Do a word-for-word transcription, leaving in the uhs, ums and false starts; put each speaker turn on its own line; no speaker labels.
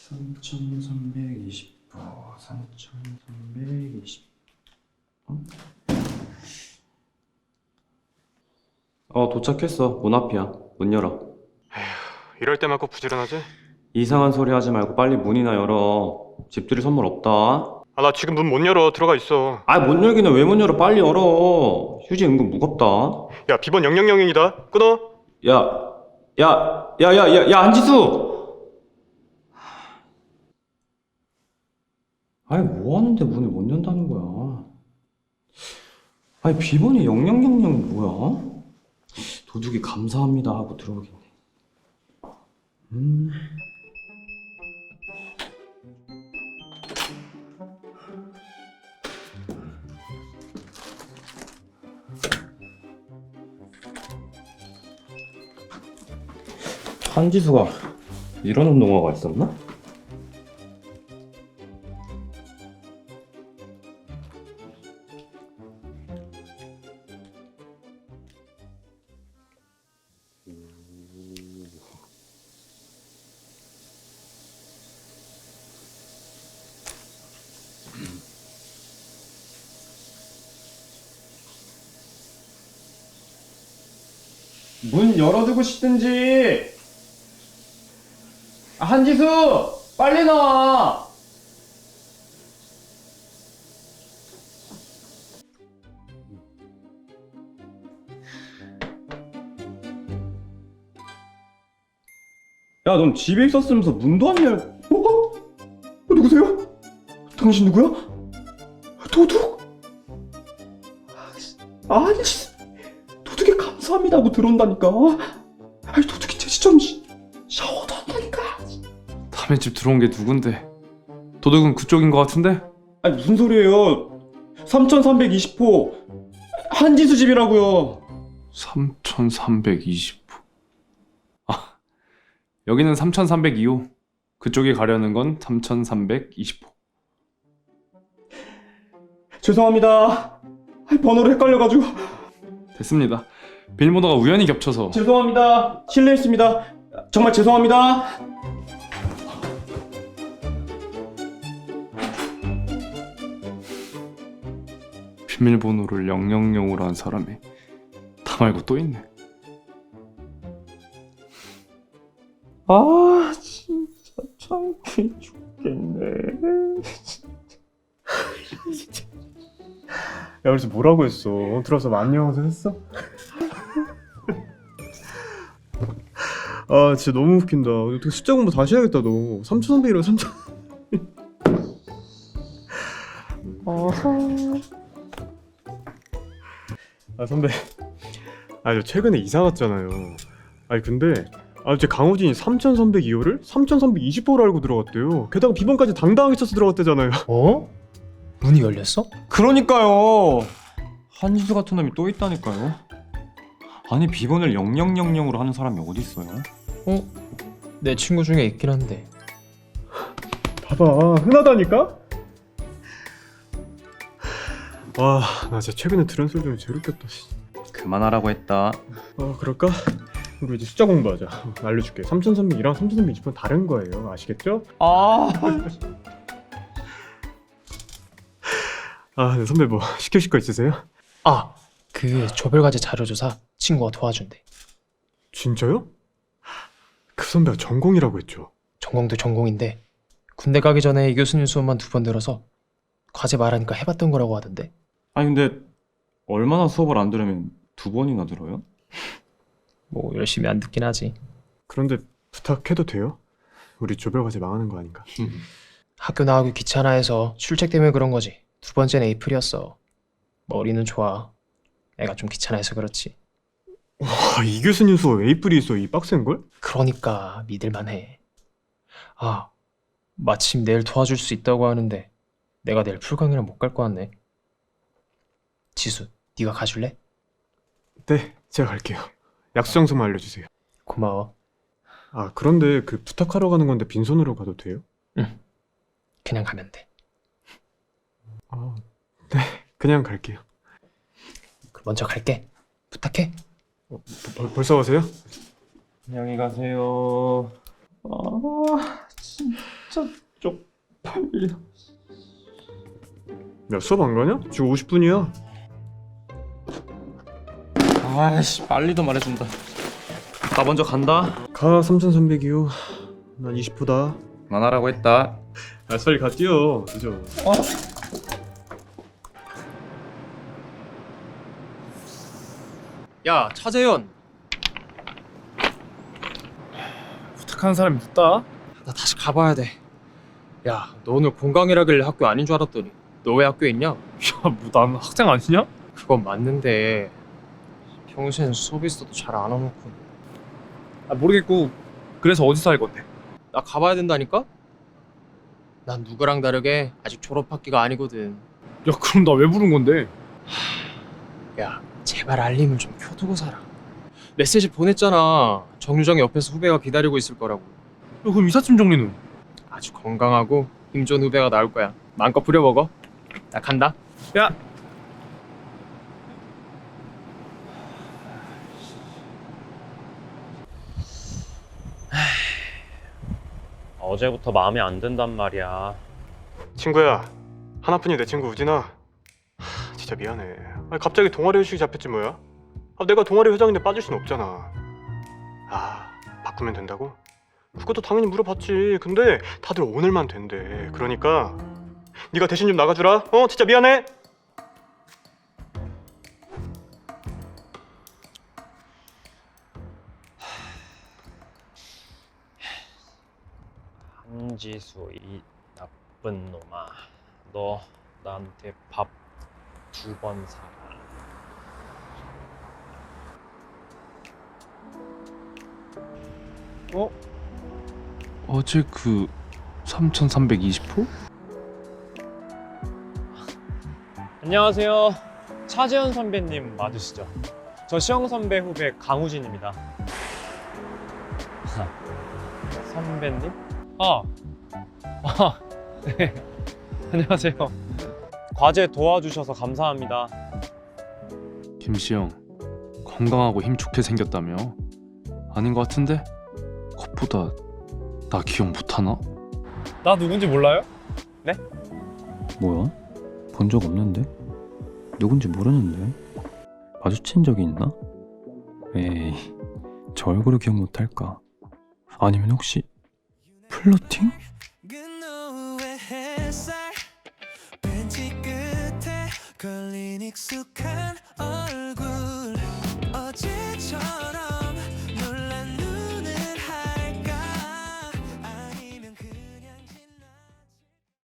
삼천삼백이십 호, 삼천삼백이십. 어? 어, 도착했어. 문 앞이야. 문 열어.
에휴, 이럴 때만 꼭 부지런하지?
이상한 소리 하지 말고 빨리 문이나 열어. 집들이 선물 없다.
아, 나 지금 문 못 열어. 들어가 있어.
아, 못 열기는 왜 못 열어? 빨리 열어. 휴지 은근 무겁다.
야, 비번 영영영이다. 끊어.
야, 야, 야, 야, 야, 야, 안지수! 아니, 뭐 하는데 문을 못 연다는 거야? 아니, 비번이 영영영영이 뭐야? 도둑이 감사합니다 하고 들어오겠네. 음. 한지수가 이런 운동화가 있었나? 문 열어두고 싶든지. 아, 한지수! 빨리 나와! 야, 넌 집에 있었으면서 문도 안 열... 어? 어? 누구세요? 당신 누구야? 도둑? 아니, 도둑에 감사합니다 하고 들어온다니까. 아니, 도둑이 제지 좀 샤워도 한다니까.
남의 집 들어온 게 누군데? 도둑은 그쪽인 것 같은데?
아니, 무슨 소리예요? 삼천삼백이십 호 한지수 집이라고요.
삼천삼백이십 호. 아, 여기는 삼천삼백이 호. 그쪽에 가려는 건 삼천삼백이십 호.
죄송합니다. 아니, 번호를 헷갈려가지고.
됐습니다. 비밀번호가 우연히 겹쳐서.
죄송합니다. 실례했습니다. 정말 죄송합니다.
비밀번호를 영영영으로 한 사람이 나 말고 또 있네.
아, 진짜 창피해 죽겠네.
야, 그래서 뭐라고 했어? 들어서 안녕하세요 했어? 아, 진짜 너무 웃긴다. 어떻게 숫자 공부 다시 해야겠다, 너. 삼천삼백이라고 삼천. 아, 선배. 아, 저 최근에 이사 갔잖아요. 아니, 근데 아, 제 강호진이 삼천삼백이 호를 삼천삼백이십 호로 알고 들어갔대요. 게다가 비번까지 당당하게 쳐서 들어갔대잖아요.
어? 문이 열렸어?
그러니까요. 한지수 같은 놈이 또 있다니까요. 아니, 비번을 영영영영으로 하는 사람이 어디 있어요?
어? 내 친구 중에 있긴 한데.
봐봐, 흔하다니까? 와, 나 진짜 최근에 들은 소리 중에 제일 웃겼다.
그만하라고 했다.
어, 그럴까? 우리 이제 숫자 공부하자. 어, 알려줄게. 삼천삼백이랑 삼천삼백이십 은 다른 거예요. 아시겠죠?
아,
아, 네, 선배 뭐 시키실 거 있으세요?
아! 그 조별과제 자료조사 친구가 도와준대.
진짜요? 그 선배가 전공이라고 했죠.
전공도 전공인데 군대 가기 전에 이 교수님 수업만 두 번 들어서 과제 말하니까 해봤던 거라고 하던데.
아니 근데 얼마나 수업을 안 들으면 두 번이나 들어요?
뭐 열심히 안 듣긴 하지.
그런데 부탁해도 돼요? 우리 조별과제 망하는 거 아닌가?
학교 나가기 귀찮아 해서 출첵 때문에 그런 거지. 두 번째는 에이프릴이었어. 머리는 좋아. 애가 좀 귀찮아해서 그렇지.
와, 이 교수님 수업 에이프리 있어. 이 빡센 걸?
그러니까 믿을만해. 아, 마침 내일 도와줄 수 있다고 하는데 내가 내일 풀강이랑 못 갈 거 같네. 지수, 네가 가줄래?
네, 제가 갈게요. 약수 장소만 알려주세요.
고마워.
아, 그런데 그 부탁하러 가는 건데 빈손으로 가도 돼요?
응, 그냥 가면 돼.
아, 네, 그냥 갈게요.
그럼 먼저 갈게. 부탁해.
어, 벌, 벌써 가세요?
안녕히 가세요. 아, 진짜. 진짜 쪽팔려.
야 수업 안 가냐? 지금 오십 분이야.
아이씨, 빨리도 말해준다. 나 먼저 간다.
가 삼천삼백이요. 난 이십 호다.
만화라고 했다.
아 빨리 가 뛰어. 늦어.
어?
야, 차재현.
부탁하는 사람이 묻다.
나 다시 가봐야 돼. 야, 너 오늘 공강이라길래 학교 아닌 줄 알았더니 너 왜 학교에 있냐?
야, 뭐 난 학생 아니냐?
그건 맞는데 평소엔 수업 있어도 잘 안 와놓고.
아, 모르겠고. 그래서 어디서 할 건데?
나 가봐야 된다니까? 난 누구랑 다르게 아직 졸업학기가 아니거든.
야, 그럼 나 왜 부른 건데?
야, 제발 알림을 좀 켜두고 살아. 메시지 보냈잖아. 정류장 옆에서 후배가 기다리고 있을 거라고.
야, 그럼 이삿짐 정리는?
아주 건강하고 힘 좋은 후배가 나올 거야. 마음껏 부려먹어. 나 간다.
야,
어제부터 마음에 안 든단 말이야.
친구야. 하나뿐인 내 친구 우진아. 하, 진짜 미안해. 아니, 갑자기 동아리 회식이 잡혔지 뭐야? 아, 내가 동아리 회장인데 빠질 순 없잖아. 아 바꾸면 된다고? 그것도 당연히 물어봤지. 근데 다들 오늘만 된대. 그러니까 네가 대신 좀 나가주라. 어 진짜 미안해.
한지수 이 나쁜 놈아. 너 나한테 밥 두 번 사라.
어제 그 삼천삼백이십 호?
안녕하세요. 차재현 선배님 맞으시죠? 저 시영 선배 후배 강우진입니다. 선배님? 아, 아, 네. 안녕하세요. 과제 도와주셔서 감사합니다.
김시영, 건강하고 힘 좋게 생겼다며? 아닌 것 같은데? 겉보다 나 기억 못하나?
나 누군지 몰라요?
뭐야? 본 적 없는데? 누군지 모르는데? 마주친 적이 있나? 에이, 저 얼굴을 기억 못할까? 아니면 혹시 플러팅?
그노의 햇살 벤치 끝에 걸린 익숙한